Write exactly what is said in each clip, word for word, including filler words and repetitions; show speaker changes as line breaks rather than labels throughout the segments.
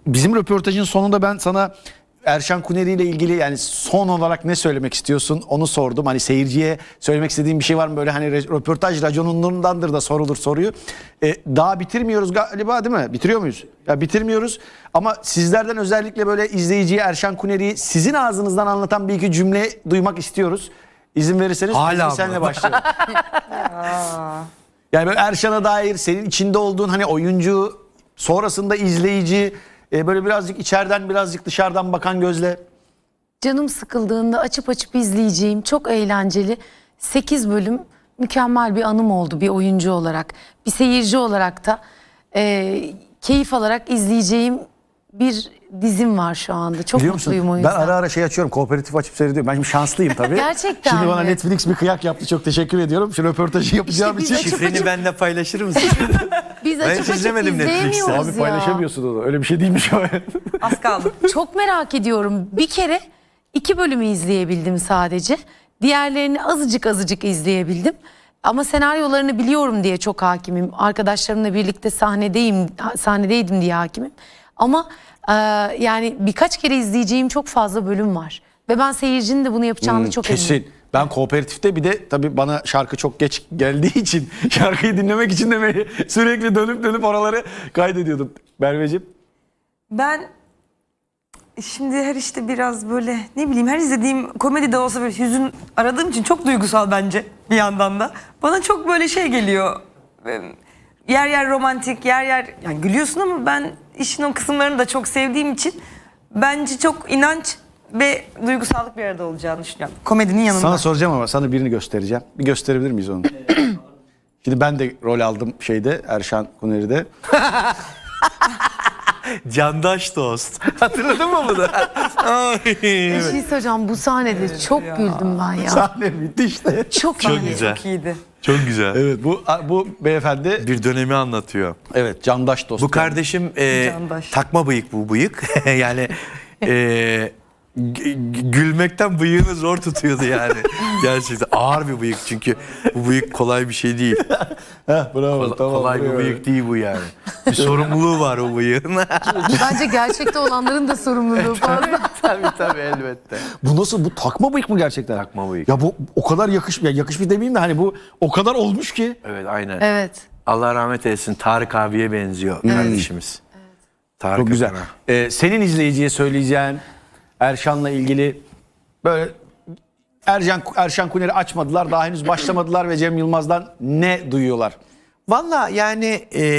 bizim röportajın sonunda ben sana Erşan Kuneri ile ilgili yani son olarak ne söylemek istiyorsun onu sordum. Hani seyirciye söylemek istediğim bir şey var mı böyle, hani röportaj raconundandır da sorulur soruyu. Ee, daha bitirmiyoruz galiba, değil mi? Bitiriyor muyuz? Ya bitirmiyoruz ama sizlerden özellikle böyle izleyiciye Erşan Kuneri'yi sizin ağzınızdan anlatan bir iki cümle duymak istiyoruz. İzin verirseniz
Hala
senle başlayalım. Yani böyle Erşan'a dair senin içinde olduğun hani oyuncu, sonrasında izleyici, e, böyle birazcık içeriden birazcık dışarıdan bakan gözle.
Canım sıkıldığında açıp açıp izleyeceğim çok eğlenceli sekiz bölüm mükemmel bir anım oldu bir oyuncu olarak. Bir seyirci olarak da e, keyif alarak izleyeceğim bir dizim var şu anda. Çok
Biliyor musun?
mutluyum o
Ben
yüzden.
ara ara şey açıyorum, kooperatif açıp seyrediyorum. Ben şimdi şanslıyım tabii.
Gerçekten
Şimdi bana
mi?
Netflix bir kıyak yaptı. Çok teşekkür ediyorum. Şu röportajı yapacağım
İşte biz
için.
açıp
Şifreni benimle paylaşır mısın?
Biz
Ben
açıp
hiç
açıp
izlemedim Netflix'te.
izleyemiyoruz
Abi
ya.
paylaşamıyorsun onu. Öyle bir şey değilmiş o.
Az kaldı.
Çok merak ediyorum. Bir kere iki bölümü izleyebildim sadece. Diğerlerini azıcık azıcık izleyebildim. Ama senaryolarını biliyorum diye çok hakimim. Arkadaşlarımla birlikte sahnedeyim, sahnedeydim diye hakimim. Ama e, yani birkaç kere izleyeceğim çok fazla bölüm var. Ve ben seyircinin de bunu yapacağını çok eminim.
Kesin. Ben kooperatifte bir de tabii bana şarkı çok geç geldiği için şarkıyı dinlemek için de sürekli dönüp dönüp oraları kaydediyordum. Merveciğim.
Ben şimdi her işte biraz böyle ne bileyim her izlediğim komedi de olsa böyle hüzün aradığım için çok duygusal bence bir yandan da. Bana çok böyle şey geliyor. Yer yer romantik, yer yer yani gülüyorsun ama ben işin o kısımlarını da çok sevdiğim için bence çok inanç ve duygusallık bir arada olacağını düşünüyorum. Komedinin yanında.
Sana soracağım ama sana birini göstereceğim. Bir gösterebilir miyiz onu? Şimdi ben de rol aldım şeyde, Erşan Kuneri'de.
Candaş dost. Hatırladın mı bunu? Ay,
Bir şey söyleyeceğim, bu sahnede çok güldüm ben ya.
Sahne bitti işte.
Çok,
Çok
iyi.
güzel.
Çok iyiydi.
Çok güzel.
Evet, bu bu beyefendi
Bir dönemi anlatıyor.
evet candaş dost.
Bu kardeşim e,
Candaş.
takma bıyık bu bıyık. Yani e, g- gülmekten bıyığını zor tutuyordu yani. Gerçekten ağır bir bıyık çünkü bu bıyık kolay bir şey değil.
Heh, bravo,
Kol-
tamam,
kolay bir
bravo.
bıyık değil bu yani. Bir sorumluluğu var o bıyığın.
Bence gerçekte olanların da sorumluluğu fazla.
Tabii tabii elbette.
Bu nasıl, bu takma bıyık mı gerçekten?
Takma bıyık.
Ya bu o kadar yakış ya yakışmış demeyeyim de hani bu o kadar olmuş ki.
Evet aynen.
Evet.
Allah rahmet eylesin, Tarık abiye benziyor kardeşimiz. Tarık
Çok güzel.
Akan'a.
Ee, senin izleyiciye söyleyeceğin Erşan'la ilgili böyle Ercan Erşan Kuneri açmadılar, daha henüz başlamadılar ve Cem Yılmaz'dan ne duyuyorlar?
Valla yani e,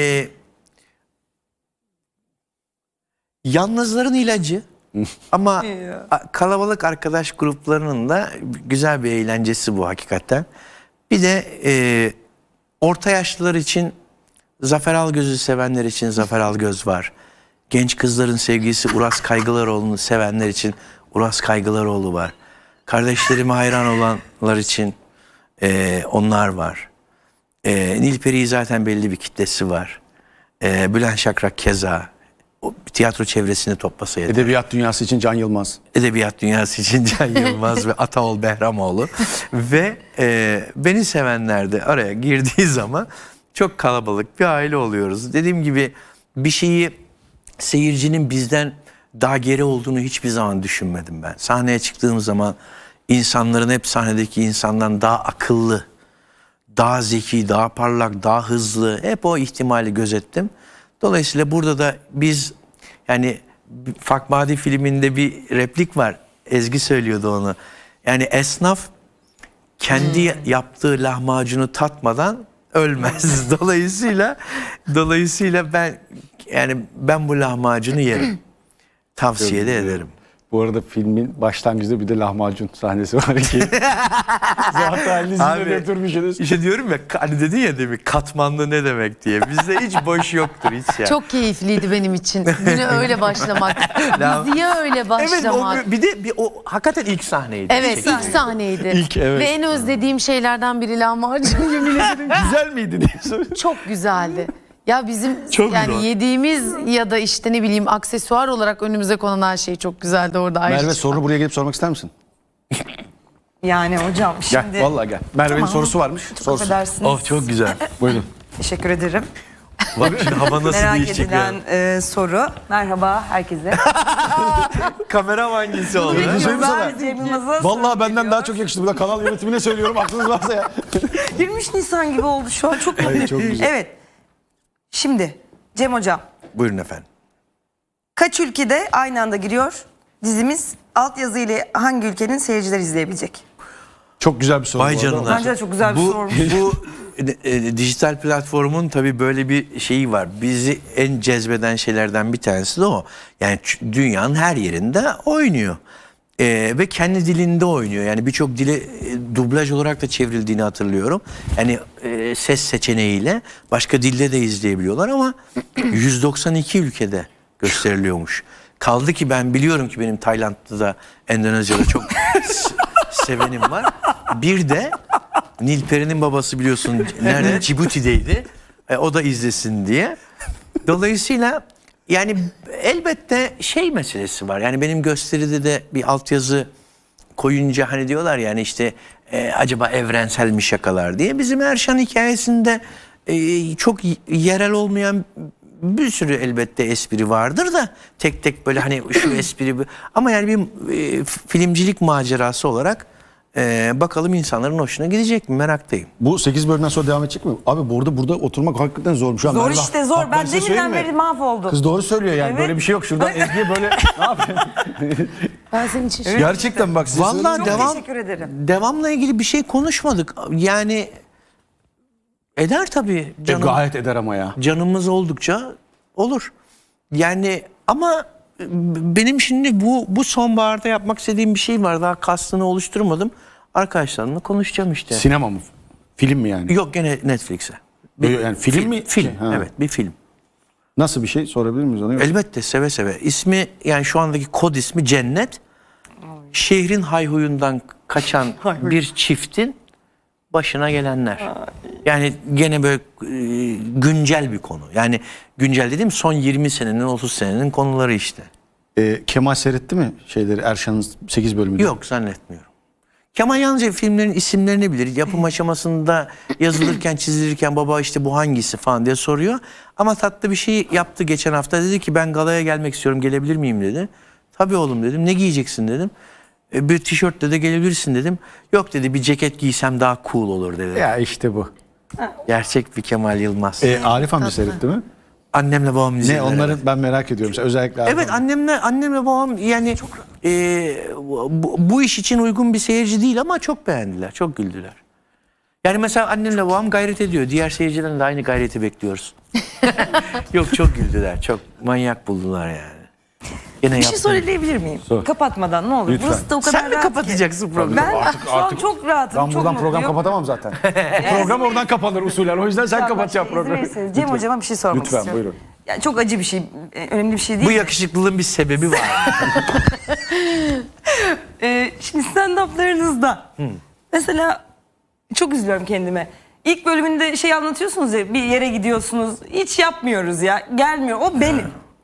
yalnızların ilacı ama a- kalabalık arkadaş gruplarının da güzel bir eğlencesi bu hakikaten. Bir de e, orta yaşlılar için Zafer Algöz'ü sevenler için Zafer Algöz var. Genç kızların sevgilisi Uras Kaygılaroğlu'nu sevenler için Uras Kaygılaroğlu var. Kardeşlerime hayran olanlar için e, onlar var. E, Nilperi'yi zaten belli bir kitlesi var. E, Bülent Şakrak keza. O, tiyatro çevresini toplasa yeter.
Edebiyat dünyası için Can Yılmaz.
Edebiyat dünyası için Can Yılmaz ve Ataol Behramoğlu. Ve e, beni sevenler de araya girdiği zaman çok kalabalık bir aile oluyoruz. Dediğim gibi bir şeyi seyircinin bizden daha geri olduğunu hiçbir zaman düşünmedim ben. Sahneye çıktığım zaman insanların hep sahnedeki insandan daha akıllı, daha zeki, daha parlak, daha hızlı, hep o ihtimali gözettim. Dolayısıyla burada da biz yani Fakmadi filminde bir replik var. Ezgi söylüyordu onu. Yani esnaf kendi hmm. yaptığı lahmacunu tatmadan ölmez. Dolayısıyla dolayısıyla ben yani ben bu lahmacunu yerim. Tavsiye de ederim.
Bu arada filmin başlangıcında bir de lahmacun sahnesi var ki. Zaten lizine götürmüşsünüz.
İşte diyorum ya hani dedin ya demin katmanlı ne demek diye. Bizde hiç boş yoktur hiç ya.
Çok keyifliydi benim için. Güne öyle başlamak. Diziye öyle başlamak.
Evet o, bir de bir, o hakikaten ilk sahneydi.
Evet,
Çekildi.
ilk sahneydi.
İlk, evet.
Ve en özlediğim şeylerden biri lahmacun, yemin ederim.
Güzel miydi diye soruyorum.
Çok güzeldi. Ya bizim
Çok
yani
güzel.
yediğimiz ya da işte ne bileyim aksesuar olarak önümüze konan her şey çok güzeldi orada.
Merve,
ayrıca.
sorunu buraya gelip sormak ister misin?
Yani hocam
Gel,
şimdi
vallahi gel. Merve'nin
Tamam.
sorusu varmış.
çok
Sorsun.
affedersiniz.
Of çok güzel.
Buyurun.
Teşekkür ederim.
Bak şimdi hava nasıl
Merak
değişecek
edilen
ya.
e, soru. Merhaba herkese.
Kamera hangisi oldu?
Bir şey söyleyeyim mi sana?
Ben Cem Yılmaz'a
Vallahi
soru
benden
geliyor.
daha çok yakıştı. Burada kanal yönetimine söylüyorum. Aklınız varsa ya.
yirmi üç Nisan gibi oldu şu an, çok
Evet, çok güzel.
Evet. Şimdi Cem Hocam,
Buyurun efendim.
kaç ülkede aynı anda giriyor dizimiz? Altyazı ile hangi ülkenin seyirciler izleyebilecek?
Çok güzel bir soru.
Vay
bu arada.
canına.
Bence de çok güzel bir
bu,
sormuş.
Bu e, e, dijital platformun tabii böyle bir şeyi var. Bizi en cezbeden şeylerden bir tanesi de o. Yani ç- dünyanın her yerinde oynuyor. E, ve kendi dilinde oynuyor. Yani birçok dile e, dublaj olarak da çevrildiğini hatırlıyorum. Yani e, ses seçeneğiyle başka dilde de izleyebiliyorlar ama yüz doksan iki ülkede gösteriliyormuş. Kaldı ki ben biliyorum ki benim Tayland'da da Endonezya'da çok s- sevenim var. Bir de Nilperi'nin babası biliyorsun nerede? Cibuti'deydi. E, o da izlesin diye. Dolayısıyla yani elbette şey meselesi var. Yani benim gösteride de bir altyazı koyunca hani diyorlar yani işte e, acaba evrensel mi şakalar diye. Bizim Erşan hikayesinde e, çok y- yerel olmayan bir sürü elbette espri vardır da tek tek böyle hani şu espri bu. Ama yani bir e, filmcilik macerası olarak e, bakalım insanların hoşuna gidecek mi, meraktayım.
Bu sekiz bölümden sonra devam edecek mi? Abi burada burada oturmak hakikaten zor. Şu an
Zor
Merve-
işte, zor.
Bak
Ben
size söyleyeyim
deminden
mi?
beri mahvoldum.
Kız doğru söylüyor yani.
Evet.
Böyle bir şey yok. Şuradan Ezgi'ye böyle ne yapayım?
Ben senin için şu-
Gerçekten bak size
Vallahi
söyleyeyim mi?
devam
teşekkür ederim.
devamla ilgili bir şey konuşmadık. Yani eder tabii
E,
canım.
gayet eder ama ya.
Canımız oldukça olur. Yani ama benim şimdi bu bu sonbaharda yapmak istediğim bir şey var. Daha kastını oluşturmadım. Arkadaşlarımla konuşacağım işte.
Sinema mı? Film mi yani?
Yok gene Netflix'e.
Yani film mi?
Film.
Ha.
Evet, bir film.
Nasıl bir şey sorabilir miyiz onu?
Elbette seve seve. İsmi yani şu andaki kod ismi Cennet. Şehrin hayhuyundan kaçan bir çiftin başına gelenler. Yani gene böyle e, güncel bir konu. Yani güncel dediğim son yirmi senenin otuz senenin konuları işte.
Ee, Kemal seyretti mi şeyleri Erşan'ın sekiz bölümünü?
Yok zannetmiyorum. Kemal yalnızca filmlerin isimlerini bilir. Yapım aşamasında yazılırken çizilirken baba işte bu hangisi falan diye soruyor. Ama tatlı bir şey yaptı geçen hafta. Dedi ki ben galaya gelmek istiyorum, gelebilir miyim dedi. Tabii oğlum dedim. Ne giyeceksin dedim. E, bir tişörtle de gelebilirsin dedim. Yok dedi, bir ceket giysem daha cool olur dedi.
Ya işte bu.
Gerçek bir Kemal Yılmaz.
Ee, Arif amca seyretti mi?
Annemle babam
Ne
izlediler.
onların
evet.
ben merak ediyorum. Özellikle Arif
Evet
amca.
annemle annemle babam yani e, bu, bu iş için uygun bir seyirci değil ama çok beğendiler, çok güldüler. Yani mesela annemle babam gayret ediyor. Diğer seyircilerden de aynı gayreti bekliyoruz. Yok çok güldüler, çok manyak buldular yani. Gene
Bir şey
yaptım.
söyleyebilir miyim?
Sor.
Kapatmadan ne olur.
Lütfen.
Burası da o kadar
Sen mi
rahat ki.
kapatacaksın programı?
Ben
Artık-
şu an
artık-
çok rahatım.
Ben
çok
buradan program
mutluyum.
kapatamam zaten. Program oradan kapanır usulen. O yüzden sen
Tamam,
kapatacaksın
şey, izin
programı.
verirseniz Cem Hocam'a bir şey sormak
Lütfen,
istiyorum.
buyurun.
Yani çok acı bir şey, e, önemli bir şey değil.
Bu
de.
yakışıklılığın bir sebebi var.
Ee, şimdi stand-up'larınızda mesela çok üzülüyorum kendime. İlk bölümünde şey anlatıyorsunuz ya, bir yere gidiyorsunuz. Hiç yapmıyoruz ya. Gelmiyor. O benim.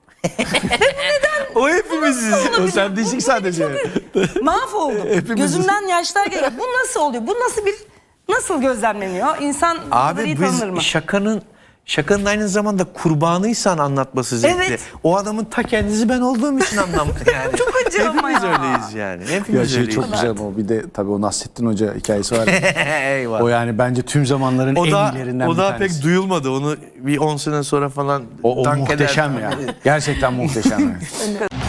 O hepimiziz.
O sen değişik sadece.
Mahvoldum.
Hepimiz-
Gözümden yaşlar geliyor. Bu nasıl oluyor? Bu nasıl bir nasıl gözlemleniyor? İnsan bu kadar iyi
Abi
tanınır mı?
biz şakanın şakanın aynı zamanda kurbanıysan anlatması zevkli.
Evet.
O adamın ta kendisi ben olduğum için anlamadım yani.
Çok acı ama
Hepimiz
ya.
öyleyiz yani.
Ya
Hepimiz
şey
öyleyiz.
çok güzel ama bir de tabii o Nasrettin Hoca hikayesi var.
Eyvah.
O yani bence tüm zamanların
O
en
da,
iyilerinden
o
bir
da
tanesi.
pek duyulmadı. Onu bir on sene sonra falan
O, o
dank
muhteşem
eder.
ya. Gerçekten muhteşem yani.